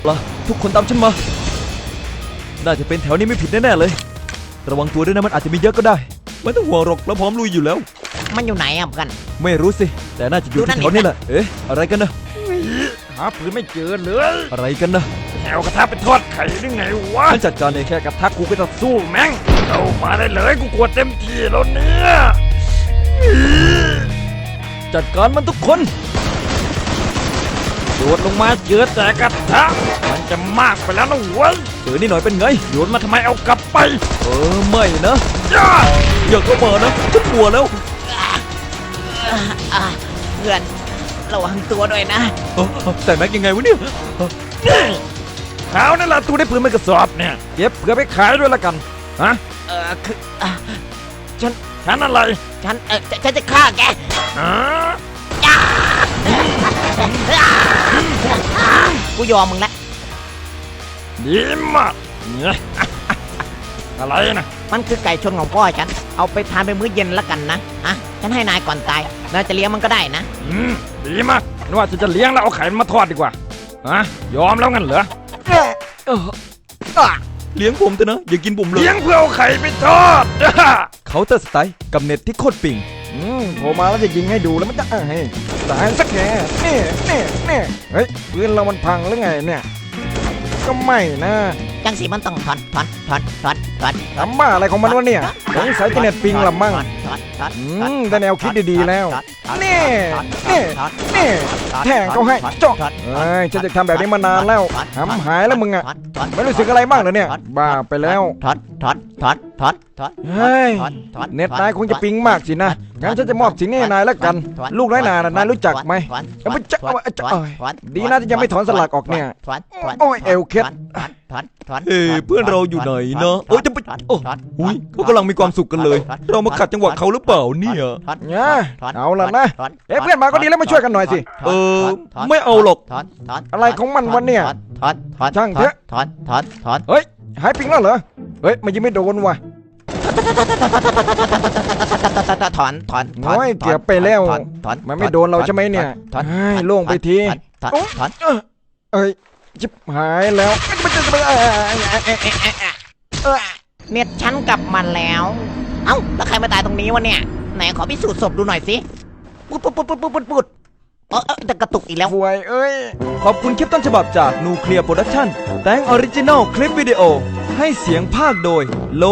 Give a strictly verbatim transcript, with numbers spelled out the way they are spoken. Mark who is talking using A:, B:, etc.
A: ล่ะทุกคนตามฉันมาน่าจะเป็นแถวนี้ไม่ผิดแน่ๆเลยระวังตัวด้วยนะมันอาจจะมีเยอะก็ได้ไม่ต้องห่วงหรอกเราพร้อมลุยอยู่แล้ว
B: มันอยู่ไหนอ่ะเพื่อน
A: ไม่รู้สิแต่น่าจะอยู่ที่แถวนี้แหละเอ๊ะอะไรกันนะ
C: หาปืนไม่เจอเลย
A: อะไรกันนะ
C: แถวกระทะเป็นทอดไข่ได้ไงวะ
A: ฉันจัดการเองแค่กระทะกูก็จะสู้
C: สู้แม่งเอามาได้เลยกูกลัวเต็มที่แล้วเนี่ย
A: จัดการมันทุกคน
C: โดดลงมาเจอแต่กระทะมันจะมากไปแล้วนะเว้ย
A: เจอนี่หน่อยเป็นไง
C: โยนมาทำไมเอากลับไป
A: เออไม่นะ
C: ย่า
A: อย่าเข้ามานะฉันกลัวแล้ว
B: อ่ะเพื่อนระวังตัวด้วยนะ
A: เอ้าแต่แม็กยังไงวะเนี่ย
C: นี่ขาวนั่นแหละตูได้ปืนไม่กระสอบเนี่ยเก็บเพื่อไปขายด้วยละกันฮะ
B: เออคืออ่ะ
C: ฉันฉันอะไร
B: ฉันเออฉันฉันจะฆ่าแก
C: ฮะ
B: กูยอมมึงแล้ว
C: ดีมากเนี่ย อะไรนะ
B: มันคือไก่ชนของพ่อฉันเอาไปทานเป็นมื้อเย็นแล้วกันนะอ่ะฉันให้นายก่อนตายนายจะเลี้ยงมันก็ได้นะ
C: อืมดีมากนึกว่าฉันจะเลี้ยงแล้วเอาไข่มาทอดดีกว่าฮะยอมแล้วงั้นเหรอ
A: เอออ่ะเลี้ยงผมเถอะนะอย่ากินผมเลย
C: เลี้ยงเพื่อเอาไข่ไปทอด
A: เคาน์เตอร์สไตล์กับเน็ตที่โคตรปิง
D: อืมโผล่มาแล้วจะยิงให้ดูแล้วมันจะเอ้ยตายสักแค่นี่นี่นี่เฮ้ยปืนเรามันพังหรือไงเนี่ยก็ไม่นะ
B: จังสีมันต้องถอนถอนถอนถอนถอน
D: ทำบ้าอะไรของมันวะเนี่ยสงสัยจะเน็ตปิงละมั่ง
B: ถอนถอนถอน
D: อืมได้แนวคิดดีๆแล้ว
B: ถอน
D: นี่
B: ถอน
D: นี่
B: ถอน
D: นี่
B: ถอน
D: แทงเขาให้
B: ถอน
D: เจาะ
B: ถอน
D: เอ้ยฉันจะทำแบบนี้มานานแล้ว
B: ถอน
D: หำหายแล้วมึงอะ
B: ถอนถอน
D: ไม่รู้สึกอะไรบ้างเหรอเนี่ยบ้าไปแล้ว
B: ถอนถอนถอนถอนถอน
D: เฮ้ย
B: ถอนถอน
D: เน็ตนายคงจะปิงมากสินะงั้นฉันจะมอบสิ่งนี้ให้นายแล้วกัน
B: ถอน
D: ลูกน้อยนาน่ะนายรู้จักไหม
B: ถอน
D: เอาไปจะเอาไปจะ
B: ถอน
D: เอ้ย
B: ถอน
D: ดีนะที่ยังไม่ถอนสลักออกเนี่ย
B: ถอนถอน
D: โอ้ยเอวเคล็ด
B: ถอนถอนถอน
A: เอ้ยเพื่อนเราอยู่ไหนนะเอ้ยจะไปโอ้หุยเขากำลังมีความสุขกันเลย เรามาขัดจังหวะเขาหรือเปล่าเนี่ย
D: เนี่ยเอาล่ะนะเอ้ยเพื่อนมาก็ดีแล้วมาช่วยกันหน่อยสิ
A: เออไม่เอาหรอก
B: ถอนถอน
D: อะไรของมันวะเนี่ย
B: ถอนถอน
D: ช่างเถอะ
B: ถอนถอนถอน
D: เฮ้ยหายปิงแล้วเหรอเฮ้ยมันยังไม่โดนว่ะ
B: ถอนถอน
D: โอ้ยเกือบไปแล้ว
B: ถอนถอน
D: มันไม่โดนเราใช่ไหมเนี่ย
B: ถอน
D: เฮ้ยโล่งไปที
B: ถอนถอน
D: เอ้ยเอ้ยจิบหายแล้วมันจะเอ้ย
B: เน็ตฉันกลับมาแล้ว เอ้าแล้วใครมาตายตรงนี้วะเนี่ยไหนขอพิสูจน์ศพดูหน่อยสิปุ๊ดปุ๊ดปุ๊ดปุ๊ดปุ๊ดปุ๊ดปุ๊ดเออเออจะกระตุกอีกแล้ว
D: ฟวยเอ้ย
A: ขอบคุณคลิปต้นฉบับจากนูเคลียร์โปรดักชั่นแต่งออริจินอลคลิปวิดีโอให้เสียงภาคโดยโล